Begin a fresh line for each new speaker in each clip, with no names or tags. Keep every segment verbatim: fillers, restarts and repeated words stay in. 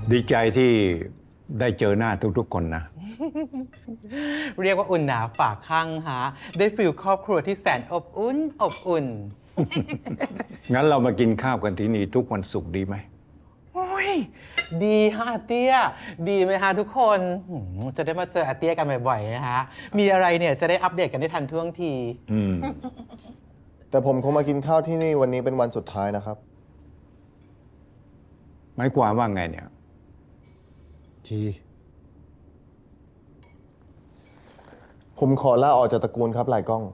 ดีใจที่ได้เจอหน้าทุกๆคนนะ
เรียกว่าอุ่นหนาฝากข้างฮะได้ฟิลครอบครัวที่แสนอบอุ่นอบอุ่น
งั้นเรามากินข้าวกันที่นี่ทุกวันศุกร์ดีไหม
โอ้ยดีฮะอาเตี้ยดีไหมฮะทุกคนหืมจะได้มาเจออาเตี้ยกันบ่อยๆนะฮะมีอะไรเนี่ยจะได้อัปเดตกันได้ทันท่วงที
อืม
แต่ผมคงมากินข้าวที่นี่วันนี้เป็นวันสุดท้ายนะครับ
หมายความว่าไงเนี่ย
ที ผมขอลาออกจากตระกูลครับหลายกล้อง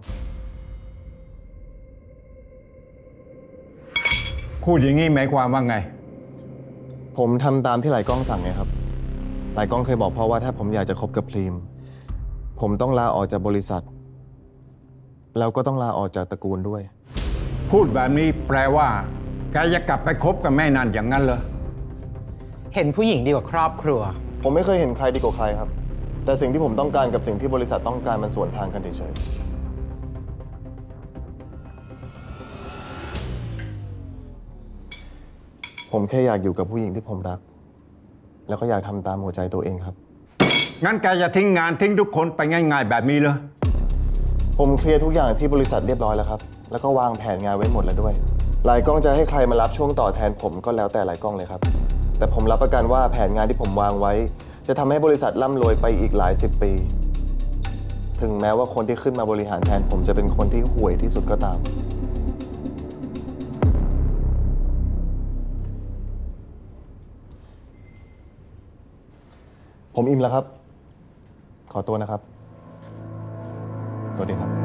พูดอย่างนี้หมายความว่าไง
ผมทำตามที่หลายกล้องสั่งไงครับ หลายกล้องเคยบอกพ่อว่าถ้าผมอยากจะคบกับพรีม ผมต้องลาออกจากบริษัท แล้วก็ต้องลาออกจากตระกูลด้วย
พูดแบบนี้แปลว่าแกจะกลับไปคบกับแม่นันอย่างนั้นเหรอ
เห็นผู้หญิงดีกว่าครอบครัว
ผมไม่เคยเห็นใครดีกว่าใครครับ แต่สิ่งที่ผมต้องการกับสิ่งที่บริษัทต้องการมันสวนทางกันเฉยๆผมแค่อยากอยู่กับผู้หญิงที่ผมรัก แล้วก็อยากทำตามหัวใจตัวเองครับ
งั้นแกจะทิ้งงานทิ้งทุกคนไปง่ายๆแบบนี้เหรอ
ผมเคลียร์ทุกอย่างที่บริษัทเรียบร้อยแล้วครับ แล้วก็วางแผนงานไว้หมดแล้วด้วย หลายกล้องจะให้ใครมารับช่วงต่อแทนผมก็แล้วแต่หลายกล้องเลยครับ แต่ผมรับประกันว่าแผนงานที่ผมวางไว้ จะทำให้บริษัทร่ำรวยไปอีกหลายสิบปี ถึงแม้ว่าคนที่ขึ้นมาบริหารแทนผมจะเป็นคนที่ห่วยที่สุดก็ตาม ผมอิ่มแล้วครับ ขอตัวนะครับ สวัสดีครับ